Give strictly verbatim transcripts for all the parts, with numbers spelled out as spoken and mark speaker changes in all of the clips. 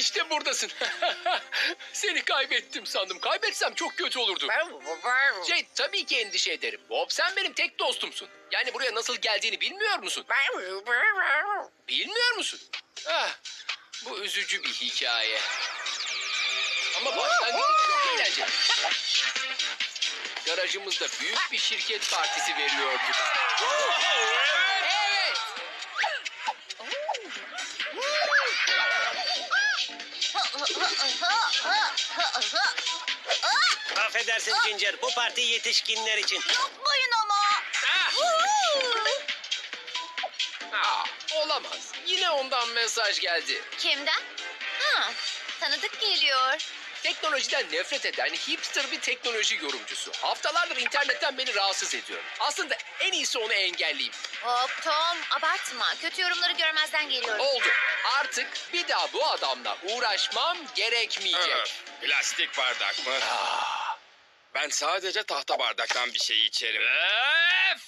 Speaker 1: İşte buradasın. Seni kaybettim sandım. Kaybetsem çok kötü olurdu. Şey, tabii ki endişe ederim. Bob, sen benim tek dostumsun. Yani buraya nasıl geldiğini bilmiyor musun? Bilmiyor musun? Ah, bu üzücü bir hikaye. Ama başlangıç çok eğlenceli. Garajımızda büyük bir şirket partisi veriyorduk. Evet.
Speaker 2: Affedersin Ginger, bu parti yetişkinler için.
Speaker 3: Yapmayın ama.
Speaker 1: Ah! Ah, olamaz. Yine ondan mesaj geldi.
Speaker 3: Kimden? Ha, tanıdık geliyor.
Speaker 1: Teknolojiden nefret eden hipster bir teknoloji yorumcusu. Haftalardır internetten beni rahatsız ediyor. Aslında en iyisi onu engelleyeyim.
Speaker 3: Hop Tom, abartma. Kötü yorumları görmezden geliyorum.
Speaker 1: Oldu. Artık bir daha bu adamla uğraşmam gerekmeyecek.
Speaker 4: Evet, plastik bardak mı?
Speaker 1: Ah,
Speaker 4: Ben sadece tahta bardaktan bir şey içerim.
Speaker 1: öf!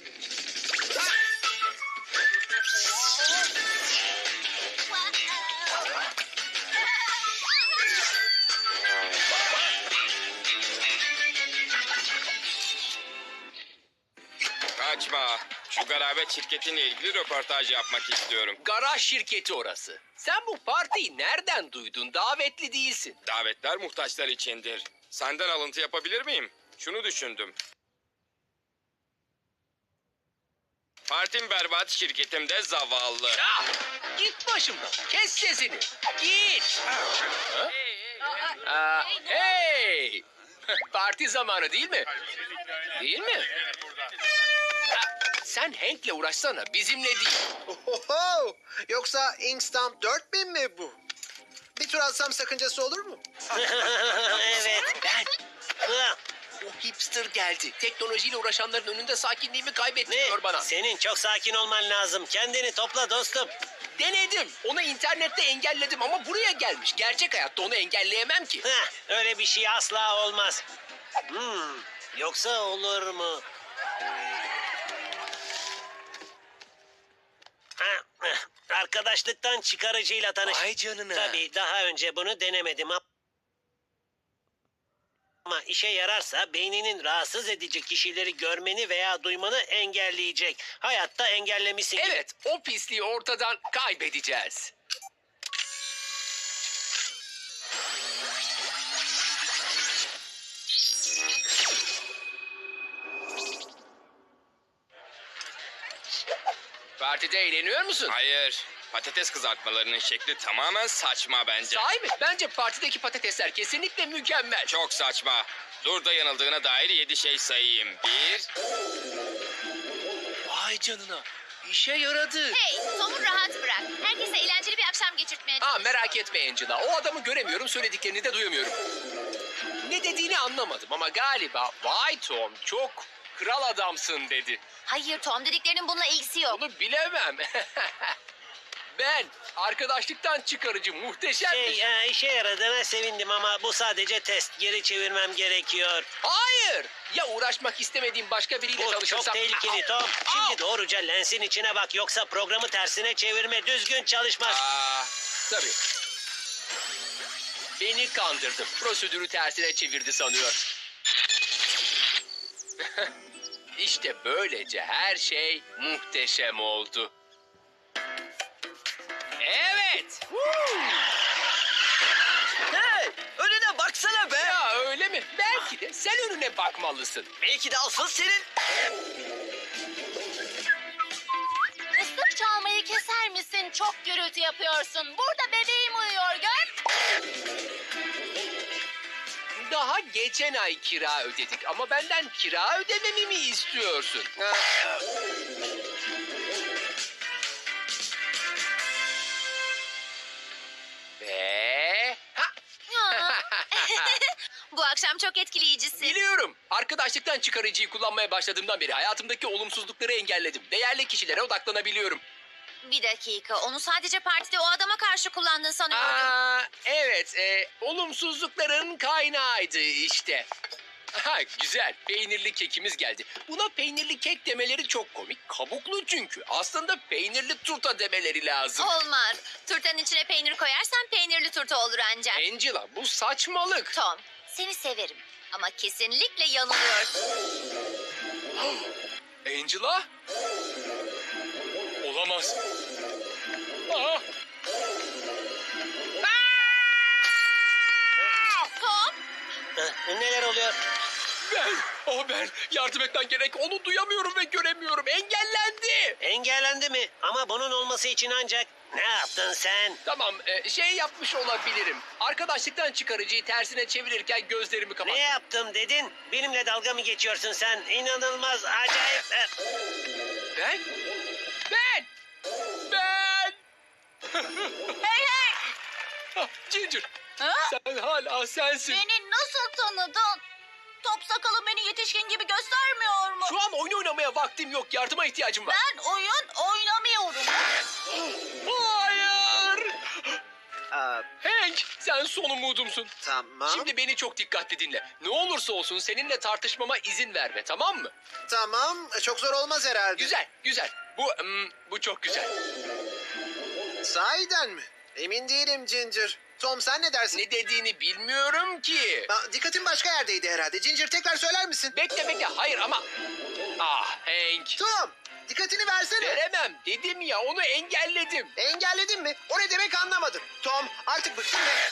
Speaker 4: Kaçma. Şu garabet şirketinle ilgili röportaj yapmak istiyorum.
Speaker 1: Garaj şirketi orası. Sen bu partiyi nereden duydun? Davetli değilsin.
Speaker 4: Davetler muhtaçlar içindir. Senden alıntı yapabilir miyim? Şunu düşündüm. Partim berbat, şirketim de zavallı.
Speaker 1: Ah, git başımdan. Kes sesini. Git. Ha? Aa, hey! Parti zamanı değil mi? Değil mi? Ha, sen Hank'le uğraşsana, bizimle değil.
Speaker 5: Oho! Yoksa Inkstamp dört bin mi bu? Bir tur atsam sakıncası olur mu?
Speaker 2: Evet.
Speaker 1: Ben,
Speaker 2: Ah,
Speaker 1: o hipster geldi. Teknolojiyle uğraşanların önünde sakinliğimi
Speaker 2: Ne?
Speaker 1: kaybettiriyor bana.
Speaker 2: Senin çok sakin olman lazım. Kendini topla dostum.
Speaker 1: Denedim. Onu internette engelledim ama buraya gelmiş. Gerçek hayatta onu engelleyemem ki.
Speaker 2: Heh, öyle bir şey asla olmaz. Hmm, yoksa olur mu? Ha, eh, arkadaşlıktan çıkarıcıyla tanış.
Speaker 1: Vay canına.
Speaker 2: Tabii daha önce bunu denemedim ama... Ama işe yararsa beyninin rahatsız edici kişileri görmeni veya duymanı engelleyecek. Hayatta engellemişsin gibi.
Speaker 1: Evet, o pisliği ortadan kaybedeceğiz. Partide eğleniyor musun?
Speaker 4: Hayır. Patates kızartmalarının şekli tamamen saçma bence.
Speaker 1: Sahi mi? Bence partideki patatesler kesinlikle mükemmel.
Speaker 4: Çok saçma. Dur da yanıldığına dair yedi şey sayayım. Bir...
Speaker 1: Vay canına. İşe yaradı.
Speaker 3: Hey, Tom'u rahat bırak. Herkese eğlenceli bir akşam geçirtmeye
Speaker 1: Ha,
Speaker 3: çalış.
Speaker 1: merak etme Angela. O adamı göremiyorum, söylediklerini de duyamıyorum. Ne dediğini anlamadım ama galiba vay Tom çok kral adamsın dedi.
Speaker 3: Hayır Tom, dediklerinin bununla ilgisi yok.
Speaker 1: Onu bilemem. Ben arkadaşlıktan çıkarıcı muhteşem bir
Speaker 2: Şey, e, işe yaradığına sevindim ama bu sadece test. Geri çevirmem gerekiyor.
Speaker 1: Hayır. Ya uğraşmak istemediğim başka biriyle
Speaker 2: Bu
Speaker 1: çalışırsam...
Speaker 2: çok tehlikeli Tom.
Speaker 1: Au!
Speaker 2: Şimdi doğruca lensin içine bak yoksa programı tersine çevirme düzgün çalışmaz.
Speaker 1: Aa, tabii. Beni kandırdı. Prosedürü tersine çevirdi sanıyor. İşte böylece her şey muhteşem oldu. Evet.
Speaker 6: Hey! Önüne baksana be!
Speaker 1: Ya öyle mi? Belki de sen önüne bakmalısın.
Speaker 6: Belki de asıl senin...
Speaker 3: Islık çalmayı keser misin? Çok gürültü yapıyorsun. Burada bebeğim uyuyor, gör.
Speaker 1: Daha geçen ay kira ödedik ama benden kira ödememi mi istiyorsun? Ve... Ha!
Speaker 3: Ya. Bu akşam çok etkileyicisin.
Speaker 1: Biliyorum. Arkadaşlıktan çıkarıcıyı kullanmaya başladığımdan beri hayatımdaki olumsuzlukları engelledim. Değerli kişilere odaklanabiliyorum.
Speaker 3: Bir dakika, onu sadece partide o adama karşı kullandın sanıyordum.
Speaker 1: Aa, evet, e, olumsuzlukların kaynağıydı işte. Ha, güzel. Peynirli kekimiz geldi. Buna peynirli kek demeleri çok komik. Kabuklu çünkü. Aslında peynirli turta demeleri lazım.
Speaker 3: Olmaz. Turtanın içine peynir koyarsan peynirli turta olur ancak.
Speaker 1: Angela, bu saçmalık.
Speaker 3: Tom, seni severim. Ama kesinlikle yanılıyorsun.
Speaker 1: Angela? Olamaz. Aa,
Speaker 3: Tom,
Speaker 2: Hı, Neler oluyor?
Speaker 1: ben, oh ben. Yardım etmen gerek. Onu duyamıyorum ve göremiyorum. Engellendi.
Speaker 2: Engellendi mi? Ama bunun olması için ancak... Ne yaptın sen?
Speaker 1: Tamam, e, şey yapmış olabilirim. Arkadaşlıktan çıkarıcıyı tersine çevirirken gözlerimi kapattım.
Speaker 2: Ne yaptım dedin? Benimle dalga mı geçiyorsun sen? İnanılmaz, acayip... e,
Speaker 1: Ben? Ben! Ben!
Speaker 3: hey hey!
Speaker 1: Ah, Ginger,
Speaker 3: Ha?
Speaker 1: sen hala sensin.
Speaker 3: Beni nasıl tanıdın? Top sakalım beni yetişkin gibi göstermiyor mu?
Speaker 1: Şu an oyun oynamaya vaktim yok. Yardıma ihtiyacım var.
Speaker 3: Ben oyun oynamıyorum.
Speaker 1: Hayır!
Speaker 5: Aa,
Speaker 1: Hank, sen son umudumsun.
Speaker 5: tamam.
Speaker 1: Şimdi beni çok dikkatli dinle. Ne olursa olsun seninle tartışmama izin verme, tamam mı?
Speaker 5: Tamam. Çok zor olmaz herhalde.
Speaker 1: Güzel, güzel. Bu, hmm, bu çok güzel.
Speaker 5: Sahiden mi? Emin değilim Ginger. Tom sen ne dersin?
Speaker 1: Ne dediğini bilmiyorum ki.
Speaker 5: Aa, dikkatin başka yerdeydi herhalde. Ginger tekrar söyler misin?
Speaker 1: Bekle bekle, hayır ama... Ah Hank,
Speaker 5: Tom dikkatini versene.
Speaker 1: veremem dedim ya, onu engelledim.
Speaker 5: Engelledin mi? O ne demek anlamadım. Tom artık bıktım ve...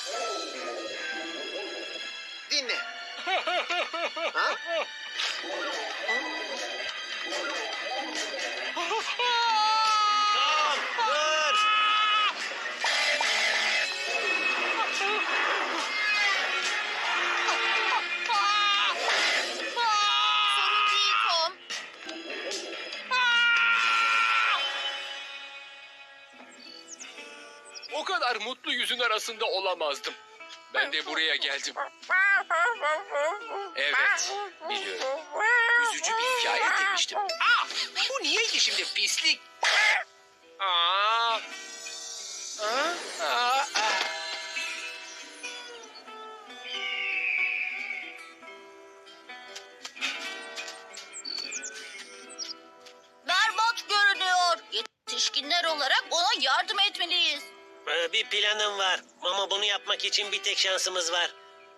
Speaker 5: Dinle. Ha?
Speaker 2: Tom, dur!
Speaker 3: Sorun değil Tom.
Speaker 1: O kadar mutlu yüzün arasında olamazdım. Ben de buraya geldim. Evet, biliyorum. Üzücü bir hikaye demiştim. Aa, bu niyeydi şimdi pislik? Aa. Aa, aa, aa.
Speaker 3: Berbat görünüyor. Yetişkinler olarak ona yardım etmeliyiz.
Speaker 2: Ee, Bir planım var ama bunu yapmak için bir tek şansımız var.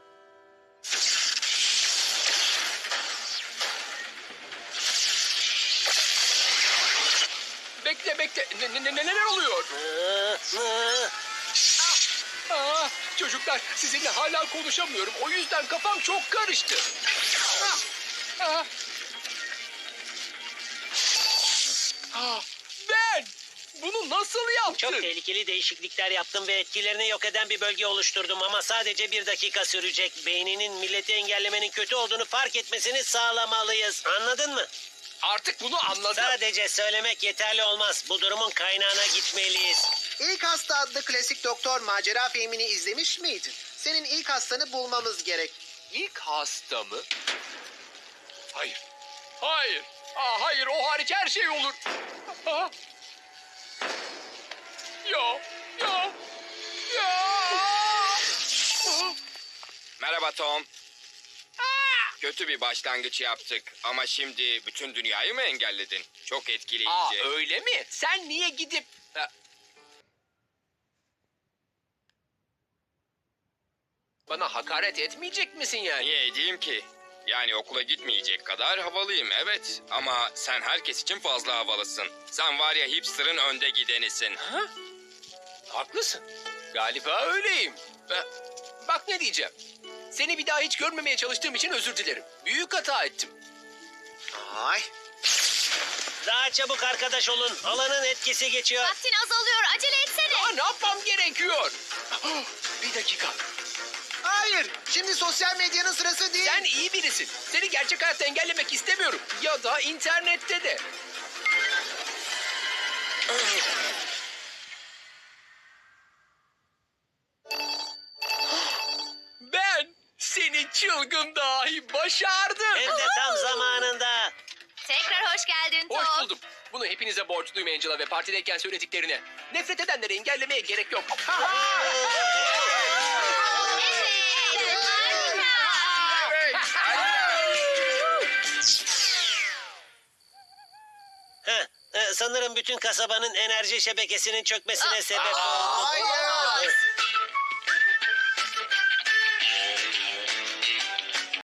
Speaker 1: Bekle bekle. Ne, ne, ne- neler oluyor?
Speaker 2: Ee, ee.
Speaker 1: Aa, çocuklar, sizinle hala konuşamıyorum. O yüzden kafam çok karıştı. Aa, aa. Aa, ben! Bunu nasıl yaptın?
Speaker 2: Çok tehlikeli değişiklikler yaptım ve etkilerini yok eden bir bölge oluşturdum ama sadece bir dakika sürecek. Beyninin milleti engellemenin kötü olduğunu fark etmesini sağlamalıyız. Anladın mı?
Speaker 1: Artık bunu anladım.
Speaker 2: Sadece söylemek yeterli olmaz. Bu durumun kaynağına gitmeliyiz.
Speaker 5: İlk Hasta adlı klasik doktor macera filmini izlemiş miydin? Senin ilk hastanı bulmamız gerek.
Speaker 1: İlk hasta mı? Hayır. Hayır. Aa, hayır, o hariç her şey olur. Aa. Ya, ya, ya. Aa.
Speaker 4: Merhaba Tom. Kötü bir başlangıç yaptık ama şimdi bütün dünyayı mı engelledin? Çok etkileyici.
Speaker 1: Aa, öyle mi? Sen niye gidip... Ha. Bana hakaret etmeyecek misin yani?
Speaker 4: Niye edeyim ki? Yani okula gitmeyecek kadar havalıyım evet. Ama sen herkes için fazla havalısın. Sen var ya hipster'ın önde gidenisin.
Speaker 1: Ha? Haklısın. Galiba öyleyim. Ha, bak ne diyeceğim. Seni bir daha hiç görmemeye çalıştığım için özür dilerim. Büyük hata ettim.
Speaker 5: Ay.
Speaker 2: Daha çabuk arkadaş olun. Alanın etkisi geçiyor.
Speaker 3: Vaktin azalıyor. Acele etsene.
Speaker 1: Aa, ne yapmam gerekiyor? Bir dakika.
Speaker 5: Hayır. Şimdi sosyal medyanın sırası değil.
Speaker 1: Sen iyi birisin. Seni gerçek hayatta engellemek istemiyorum. Ya da internette de. Ben seni çılgın dahi başardım.
Speaker 2: Hem de tam zamanında.
Speaker 3: Tekrar hoş geldin Tom.
Speaker 1: Hoş buldum. Bunu hepinize borçluyum Angela ve partideyken söylediklerine. Nefret edenleri engellemeye gerek yok.
Speaker 3: Evet, harika.
Speaker 4: Evet.
Speaker 2: Heh, e, sanırım bütün kasabanın enerji şebekesinin çökmesine sebep oldu.
Speaker 5: Hayır.